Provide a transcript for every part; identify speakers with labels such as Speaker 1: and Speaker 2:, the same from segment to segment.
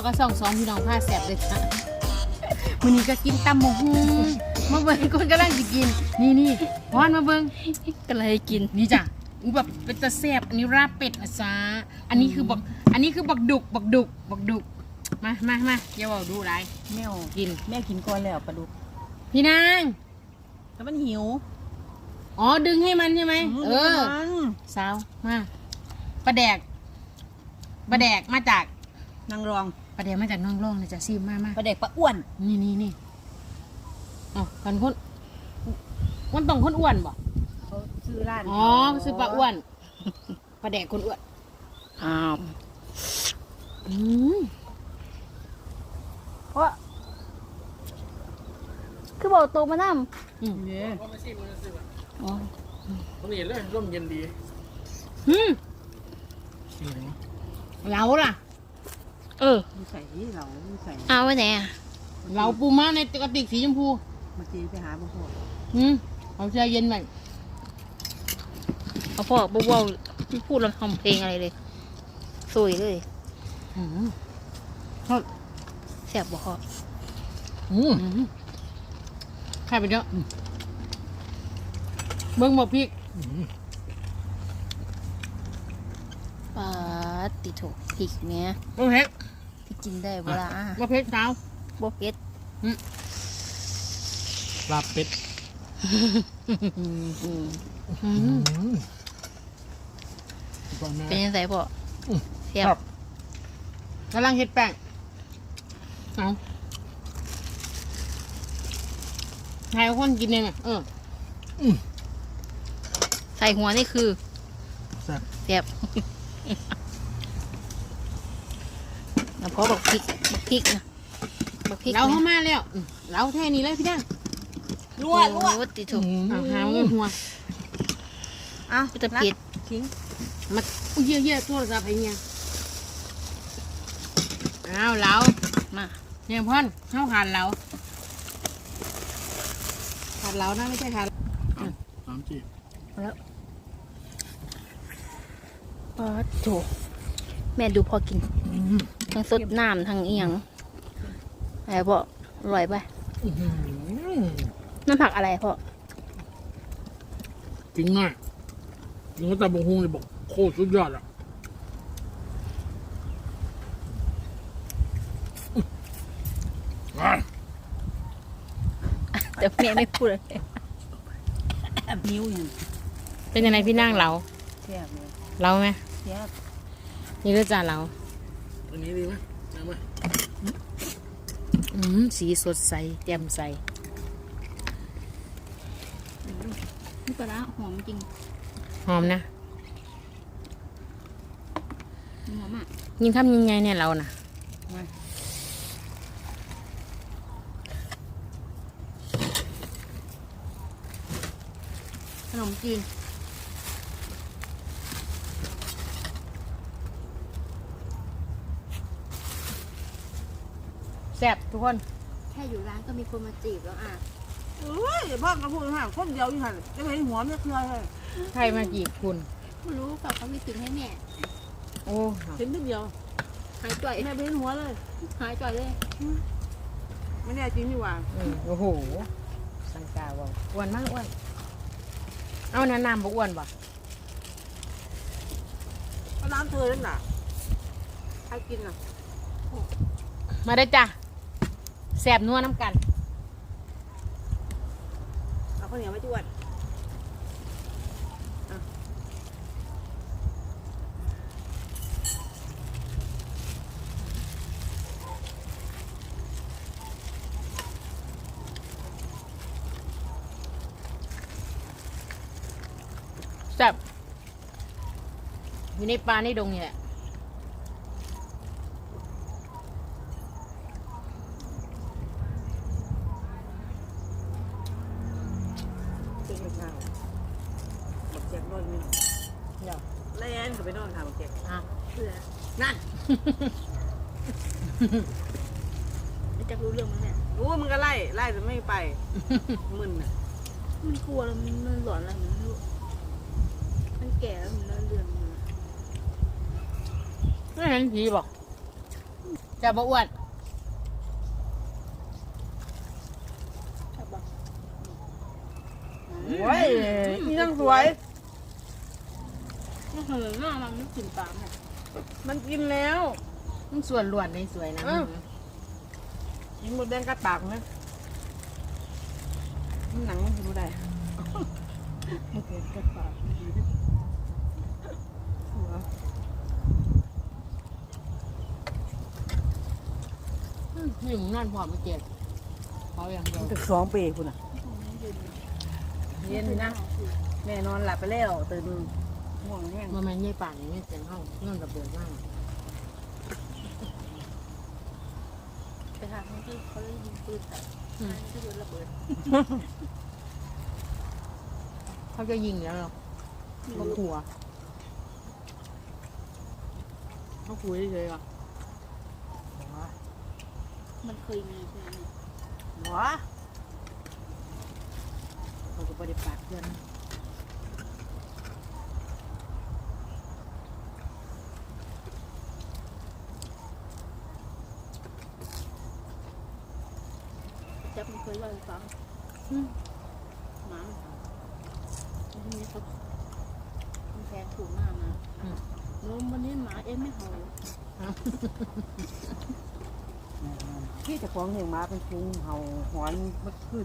Speaker 1: ก็ส่องพี่น้องผ้าแสบเลยค่ะมื้อนี้ก็กินตำหมกฮุงมาเบิ่งคนกำลังสิกินนี่พอนมาเบิ่ง
Speaker 2: ก็เลยกิน
Speaker 1: นี่จ้ะแบบเป็นตะแสบอันนี้ราบเป็ดนะจ๊ะอันนี้คือบักดุกมาอย่าบอกดูไร
Speaker 3: แม่
Speaker 1: กิน
Speaker 3: แม่กินก่อนแล้วปลาดุก
Speaker 1: พี่นาง
Speaker 3: แต่มันหิว
Speaker 1: อ๋อดึงให้มันใช่ไหมสาวมาปลาแดกมาจาก
Speaker 3: นางรอง
Speaker 1: ปลาแดกมาจากน้องร่องนะจ๊ะซีมมา
Speaker 3: ปลาเด็กปลาอ้วน
Speaker 1: นี่อ๋อคนมันต้องคนอ้วนบ่
Speaker 3: เขาซื้อร้าน
Speaker 1: อ๋อซื้อปลาอ้วนปลาแดกคนอ้วน
Speaker 2: อ้าว
Speaker 1: อืม
Speaker 2: เพราะคือบอกตัวมานั่ม
Speaker 3: เนี่ย
Speaker 4: ว่าไม่ซิมันซื้อ
Speaker 2: อ๋อ
Speaker 4: ตรงนี้เลยร่มเย็นดี
Speaker 1: เราล่ะ
Speaker 3: มีใส่เรามีใส่
Speaker 2: เอาไว้ไหนอ่ะ
Speaker 1: เราปูม้าในกระติกสีชมพู
Speaker 3: มาจีไปหาพ่อ
Speaker 1: เอาแช่เย็นไว้
Speaker 2: เอาพ่อบ่าวพูดแล้วทำเพลงอะไรเลยสวยเลย
Speaker 1: อืม
Speaker 2: แซ่บบ่พ่อ
Speaker 1: ใครไปเยอะเบิ้งหมดพริก
Speaker 2: ปลาติโถพริกเนี้ย
Speaker 1: มะเพ็ด
Speaker 2: ที่กินได้เวลาม
Speaker 1: ะเพ็ดสาว
Speaker 2: บ่เผ็ด
Speaker 4: ลาบเป็ด
Speaker 2: เป็นยังไงพ่อแซ่บ
Speaker 1: กำลังเฮ็ดแป้งเอาใครคนกินเองอ่ะ
Speaker 2: ใส่หัวนี่คือ
Speaker 4: แซ่บ
Speaker 2: แซ่บแล้วพอบักพริกนะบักพริก
Speaker 1: เราเข้ามาแล้วเราแท่นี้เลยพี่ดัง
Speaker 3: ลวด
Speaker 2: โอ้ติโถ
Speaker 1: หาเงินหัว
Speaker 3: อ่ะ
Speaker 2: จะเผ็ด
Speaker 3: ทิ้ง
Speaker 1: มาเยี่ยโทรศัพท์ไอ้เนี่ยเอาเรา
Speaker 2: มา
Speaker 1: เนี่ยพ่อนเข้าขาดเราขาดเรานะไม่ใช่ขาด
Speaker 4: 3G
Speaker 2: ปลาโถแม่ดูพอกินทั้งสดน้ำทั้งเอียงอะไรพ่ออร่อยป่ะน้ำผักอะไรพ่อ
Speaker 4: จริงง่ายยังก็ตาบงฮงเลยบอกโคตรสุดยอดอ่ะ
Speaker 2: แต่แม่ไม่พูดเลย
Speaker 3: แอบนิ้วอย่าง
Speaker 1: เป็นยังไงพี่นั่งเรา
Speaker 3: แซ่บเลย
Speaker 1: เราไหม
Speaker 3: แซ่บ
Speaker 1: นี่ก็จ่าเรา
Speaker 4: อันนี้ดีไหมเอาไหม
Speaker 1: สีสดใสแจ่มใส
Speaker 2: นี่ปลาร้าหอมจริง
Speaker 1: หอมนะ
Speaker 2: หอมอ่ะ
Speaker 1: ยิงคำยังไงเนี่ยเราน่ะขนมจีนแซ่บทุกคน
Speaker 2: แค่อยู่ร้านก็มีคนมาจีบแล้วอ่ะ
Speaker 3: เอ้ยพ่อกระพูดห่างคนเดียวอยู่หันจะเห็นหัวไม่เคลื่อนเลย
Speaker 1: ใครมาจีบคุณ
Speaker 2: ไม่รู้กับเขาไม่ถึงให้แม่
Speaker 1: โอ้
Speaker 3: เห็นนิดเดียว
Speaker 2: หายจ่อย
Speaker 3: แม่ไปเห็นหัวเลย
Speaker 2: หายจ่อยเลย
Speaker 3: ไม่แน่จริงดีกว่า
Speaker 1: โอ้โห สังกาว่าอ้วนมากอ้วน เอาแนะนำบอกอ้วนบ่
Speaker 3: ก็น้ำเธอนั่นน่ะใครกินอ่ะ
Speaker 1: มาได้อจ้ะแซ่บนัวน้ำกัน
Speaker 3: เอาข้าวเหนียวไม่จวด
Speaker 1: แซ่บอยู่ในปลาในดงนี่แหละ
Speaker 3: เป็นเห็ดนางบักแจกนอนนี่
Speaker 1: เดี๋ยว
Speaker 3: แล่นเขาไปนอนค่ะบักแจก
Speaker 1: อ่ะ
Speaker 3: เพื่อนั่น
Speaker 2: ไม่จะรู้เรื่องมั้งเนี่ย
Speaker 3: รู้ว่ามึงก็ไล่แต่ไม่ไปมึนอ่ะ
Speaker 2: มันกลัวแล้วมันหลอนอะไรมันไม่รู้มันแก่แล้วมันเรื่องมัน
Speaker 1: ไม่เห็นผีบอก
Speaker 2: ไ
Speaker 1: จะบ่อ้วน
Speaker 3: โอ้ยนี่นั่งสวย
Speaker 2: ไม่เคยหน้ามันไม่กินปลาเนี่ย
Speaker 3: มันกินแล้ว
Speaker 1: มันส่วนล้วนในสวยนะ
Speaker 3: กินหมดแดงกัดปากนะมันหนังมันดูได้
Speaker 2: โอเคกัดปาก
Speaker 1: นี่มึงนั่นพอไม่เจ็บเขาอย่างเดียว
Speaker 3: ตึก2 ปีคุณอ่ะเย็นนะแม่นอนหลับไปแล้วตื่นง่วงแห้ง
Speaker 1: มันไม่ใช่ป่านนี้ไม่เสียงห้องนั่นระเบิดมาก
Speaker 2: ไปทางที่เขาได้ยิงปืนแต่ที่โดนระเบิด
Speaker 1: เขาจะยิงแล้วหรอเขากลัวเขาคุยเฉยๆอ่ะ
Speaker 2: มันเคยมีใช่ไหม
Speaker 3: หัวเขาก็ไม่ได้ปากเพื่อน
Speaker 2: จับมันเคยเล่าให้ฟังหมาทีนี้เขาแทงถูกหน้ามาโน้มวันนี้หมาเอ็มไม่เห่า
Speaker 3: ที่จะฟ้องเหี่ยงม้าเป็นพุงเห่าหอนเมื่อคืน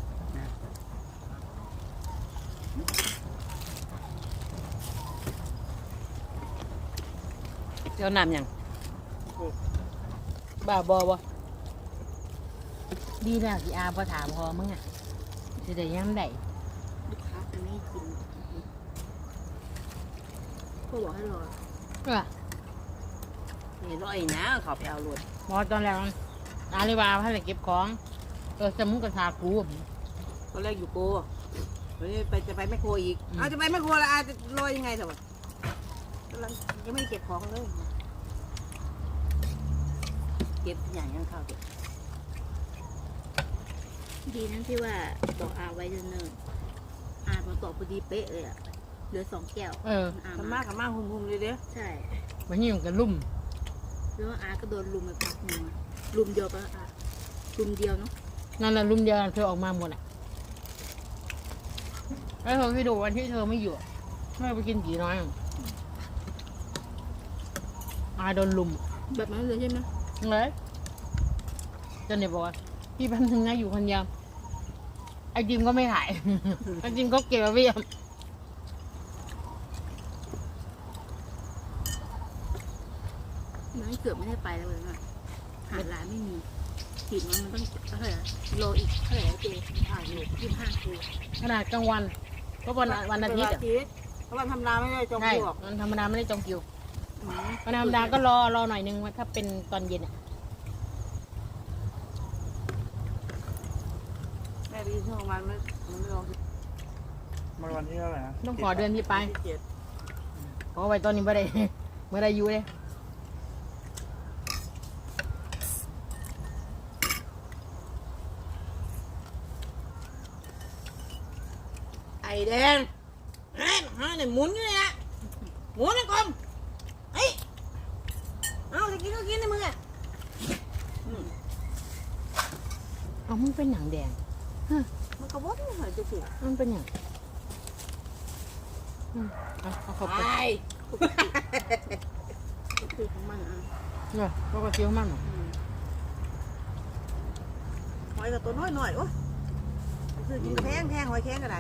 Speaker 3: เจ้าน้ำยัง
Speaker 1: บ้าบอวะดีแล้วที่อาพอถามพอมึงอ่ะจะได้ย้ำได้
Speaker 2: ลูกค้าจะไม่กินก็บอกให้รอ
Speaker 1: เออ
Speaker 3: นี่ร้อยนะเขาไปเอารถ
Speaker 1: พอตอนแรกอาเลยว่าให้ไปเก็บของสมุกกระทากู
Speaker 3: ตอนแรกอยู่โกวันนี้จะไปแมคโครอีกเอาจะไปแมคโครแล้วอาจะลอยยังไงเถอะกำลังยังไม่ได้เก็บของเลยเก็บอย่างยังเข้าเก็บ
Speaker 2: ดีนั่นที่ว่าบอกอาไว้เนิ่นๆอามาตอบพอดีเป๊ะเลยอ่ะเหลือ2 แก้ว
Speaker 1: เออ
Speaker 2: อา
Speaker 3: ทำ
Speaker 2: มา
Speaker 3: มากหุ่มๆเลยเด้อ
Speaker 2: ใช่
Speaker 1: มันยิ่งกันลุ่ม
Speaker 2: แล้วอาก็โดนลุมไปพักหนึ่งลุมเดียวปะอาลุมเดียวเนาะ
Speaker 1: นั่นแหละลุ่มเดียวเธอออกมาหมดอ่ะแล้วเธอไปดูวันที่เธอไม่อยู่เธอไปกินผีน้อยอาโดนลุม
Speaker 2: แบบนั้นเลยใช่ไหม
Speaker 1: เลยจนเนี่ยบอกว่าพี่พันถึงนะอยู่คนเดียวไอจิมก็ไม่ถ่าย ไอจิมก็เก็บไว้เยอะ
Speaker 2: น้อยเกือบไม่ได้ไปแล้วเลยนะหาร้านไม่มีขีดมันต้องเท่าไหร่โลอีกเท่าไหร่เจผ่านอยู่25 กิโล
Speaker 1: ขนาดกลางวันก็วันอาทิตย์อะ
Speaker 3: เพราะวันทำนาไม่ได้จอง
Speaker 1: ใช่
Speaker 3: คิวหรอก
Speaker 1: มันธรรมดาไม่ได้จองคิววันธรรมดาก็รอหน่อยนึงว่าถ้าเป็นตอนเย็นอะ
Speaker 3: แม่ไปยืนช่วงวันไม่ลอง
Speaker 4: มาวันที่เท่าไหร่นะ
Speaker 1: ต้องขอเดือนที่ไป
Speaker 3: ที่เจ็ด
Speaker 1: เพราะไว้ตอนนี้ไม่ได้ ไม่ได้อยู่เลย
Speaker 3: ไอแดงเฮ้ยเนี่ยหมุนอยู่เนี่ยหมุนนะกลมเฮ้ยเอาจะกินก็กินในมืออ่ะ
Speaker 1: เอามึงเป็นหนังแดง
Speaker 3: มันกระวดเหรอจะสิ
Speaker 1: มันเป็นอย่างเอาเขาไป
Speaker 3: ไป
Speaker 2: คือของมันอ่ะ
Speaker 1: เนี่ยเขาก็เคี้ยวมัน
Speaker 3: หอยกับตัวน้อยๆโอ้ยคือกินกระแพงหอยแข้งก็ได้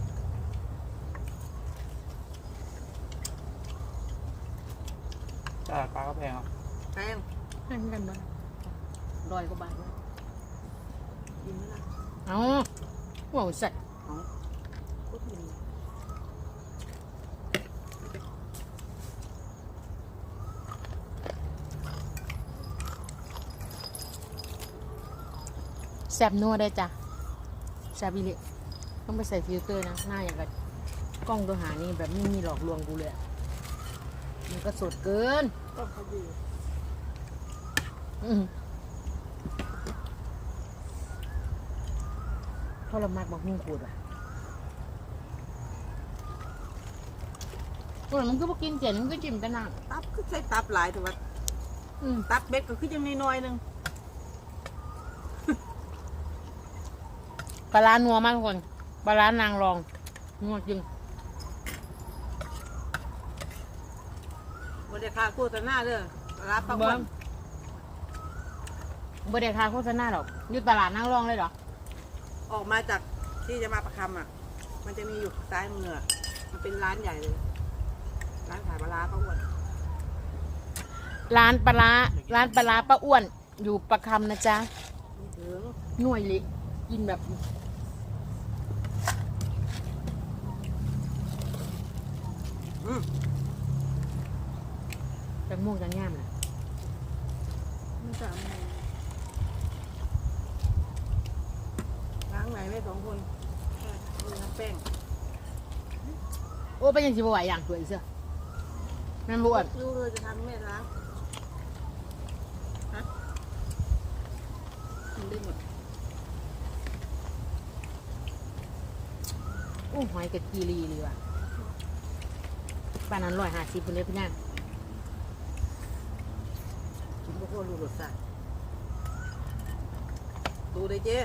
Speaker 4: ตลาดปลาก็แพงอ่ะ
Speaker 3: แพง
Speaker 1: ให้กันบ้าง100 กว่าบาท
Speaker 3: กินไหมล่ะ
Speaker 1: เอาว้าวสัตว์
Speaker 3: ก็กิน
Speaker 1: แซบนัวได้จ้ะแซบอีเละต้องไปใส่ฟิลเตอร์นะหน้าอย่างกับกล้องตัวหานี่แบบไม่มีหลอกลวงกูเลยอะมันก็สดเกิน
Speaker 3: ก็เขาดี
Speaker 1: เพราะเรามากบอกมุ่งขูดว่ะมันก็บอกกินเจ๋งมันก็จิ้มกันนะ
Speaker 3: ตับคือใช้ตับหลายแต่ว่า
Speaker 1: ม
Speaker 3: ตักเบ็ดก็คือยังน้อยๆนึง
Speaker 1: ปลาร้านัวมากทุกคนปลาร้านางรองนัวจริง
Speaker 3: บ่ได้ค่าโฆษณาเด้อรับประกัน
Speaker 1: บ่ได้ค่าโฆษณาหรอกอยู่ตลาดนางรองเลยเหรอ
Speaker 3: ออกมาจากที่จะมาประคำอ่ะ มันจะมีอยู่ซ้ายมืออะมันเป็นร้านใหญ่เลย ร้านขายปลาร้าป้าอ้วน
Speaker 1: ร้านปลาร้าป้าอ้วนอยู่ประคำนะจ๊ะ
Speaker 3: ไม่ถึง
Speaker 1: หน่วยเล็กกินแบบ จังม่วงจังง่ามนะ
Speaker 2: ไม่สามโมง
Speaker 3: ล้างไหนไม่2 คนมีน้ำแป้ง
Speaker 1: โอ้เป็นยังสิบไหวอย่างสวยเสื้อแม่นบอ้วน
Speaker 3: รู้เลยจะทำแม่ล้าง
Speaker 2: มันได้หมด
Speaker 1: โอ้หอยกะกีรีเลยว่ะป้านนั้น150คนเลยพี่นาง
Speaker 3: กินพวกคนรู้รสชาติดูเลยเจ๊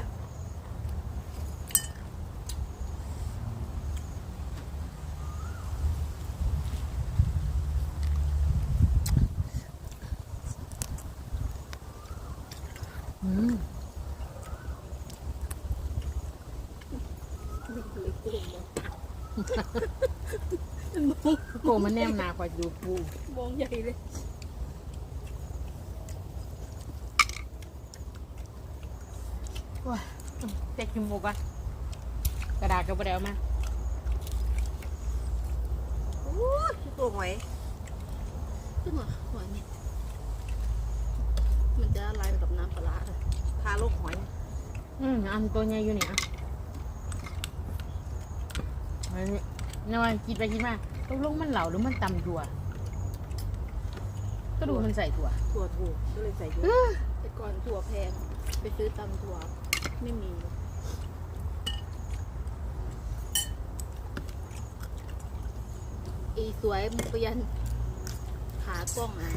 Speaker 1: อืม
Speaker 2: ไม่เคยโกงเลย
Speaker 1: โกมันแนมหนากว่าดูปู
Speaker 2: มองใหญ่เลย
Speaker 1: ว้าเต็กกินหมูกะกระดาษก็บ่ได้เอามา
Speaker 3: โอ้ยตัวหอย
Speaker 2: ขึ้นมาหัวเนี่ยมันจะละลายไปกับน้ำปลาร้าเลย
Speaker 3: คาโลกหอย
Speaker 1: อันตัวใหญ่อยู่เนี่ยอันนี้นี่ว่าคิดไปคิดมาตกลงมันเหลาหรือมันตำถั่วก็ดูมันใส่ถั่ว
Speaker 3: ถั่วถูกก็เลยใส่เยอะ
Speaker 2: แต่ก่อนถั่วแพงไปซื้อตำถั่วไม่มีอีสวยมุกยันขากล้องอ่ะ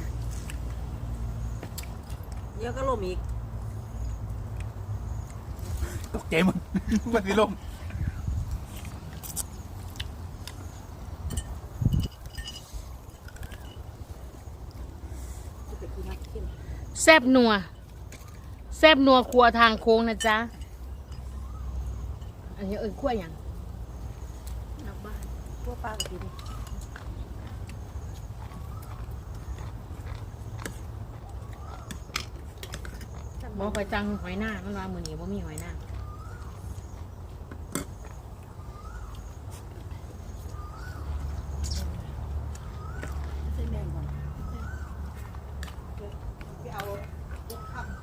Speaker 3: เดี๋ยอะก็ลมอีก
Speaker 4: ตกใจมึง มันสิลม
Speaker 3: จะไปกินน้ำเข้ม
Speaker 1: แซบนัวครัวทางโค้งนะจ๊ะอันนี้ขั้วอย่าง
Speaker 2: นักบ้าน
Speaker 3: พวกป้าก็กิน
Speaker 1: บอกคอยจังหอยหน้ามันว่ามือนี้บ่มีหอยหน้า
Speaker 2: ใช่แม่งก่อน
Speaker 3: ไปเอาลูกขับ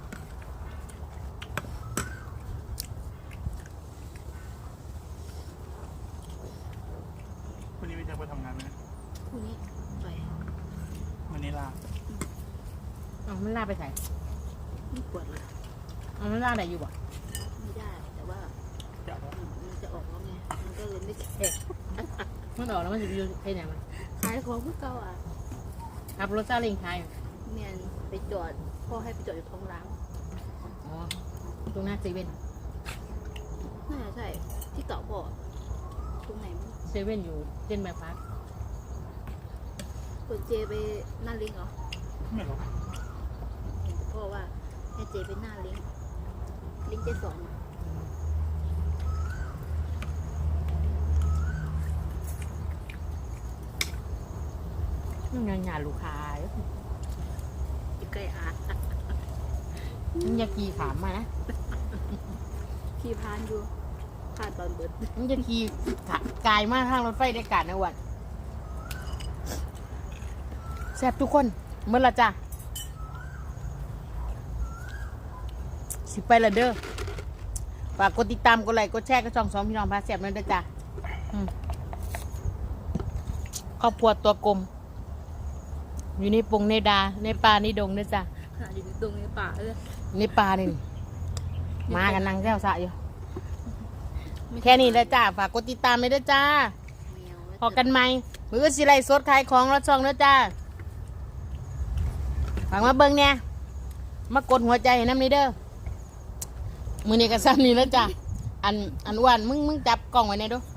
Speaker 4: วันนี้ไม่จะไปทำงานไหม
Speaker 2: พรุ่งนี้ไป
Speaker 4: วันนี้ลา
Speaker 1: เอามันลาไปใส่
Speaker 2: ไม่ปวดเลย
Speaker 1: เอามันลาได้อยู่บ่
Speaker 2: ไม่ได้แต่ว่า
Speaker 4: จะเอา
Speaker 2: มันจะออกแล้วไงมันก็เลยไม่แข็ง
Speaker 1: มันออกแล้วมันจะไปอยู่ใช่ไหนมัน
Speaker 2: ขายของเพื่อเก่าอ่ะ
Speaker 1: ขับรถซาเล้งไทย
Speaker 2: เมียนไปจอดพ่อให้ไปจอดอยู่ท้องร้าง
Speaker 1: อ๋อตรงหน้าเซเว่น
Speaker 2: น่าจะใช่ที่เก่าพ่อตรงไหนไม่รู้
Speaker 1: เซเว่นอยู่เส้นบายพาส
Speaker 2: เปิดเจไปหน้าลิงก์เหรอ
Speaker 4: ไม่หรอก
Speaker 2: เห็นแต่พ่อว่าให้เจไปหน้าลิงก์ลิงก์เจสอนอะ
Speaker 1: มันยังงานลูกค้าอยู่
Speaker 2: อยู่ใกล้อาร์ต
Speaker 1: มันอยาขี่ขามมานะ
Speaker 2: ขี่พานอยู่ผ่านตอนเบิด
Speaker 1: มันจะขี่กายมากทางรถไฟได้การนะวันแซ่บทุกคนเมื่อละจ้ะสิไปละเด้อฝากกดติดตามกดไลค์กดแชร์กดช่องสองพี่น้องพาแซ่บนั่นเด้อจ้ะครอบครัวตัวกลมอยู่ในปงในดาในป่าในดงเด้อจ้ะ
Speaker 2: ขนาดอยู่ตรงในป่าเลย
Speaker 1: ในป่านี่มากันนั่งแก้วสะอยู่แค่นี้แล้วจ้าฝากกดติดตามเลยเด้อจ้า
Speaker 2: แมว
Speaker 1: พอกันไหมมือสิไลสดขายของรถช่องเด้อจ้าฝากมาเบิ่งเนี่ยมากดหัวใจให้น้ำนี่เด้อมือนี้ก็ซ้ำนี่แล้วจ้ะอันอ้วนมึงจับกล้องไว้ในดู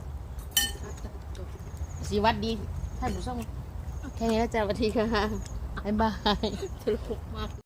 Speaker 1: สีวัดดีท่านผู้ชมแค่นี้แล้วจ้ะสวัสดีค่ะบ๊ายบาย
Speaker 2: ตลกมาก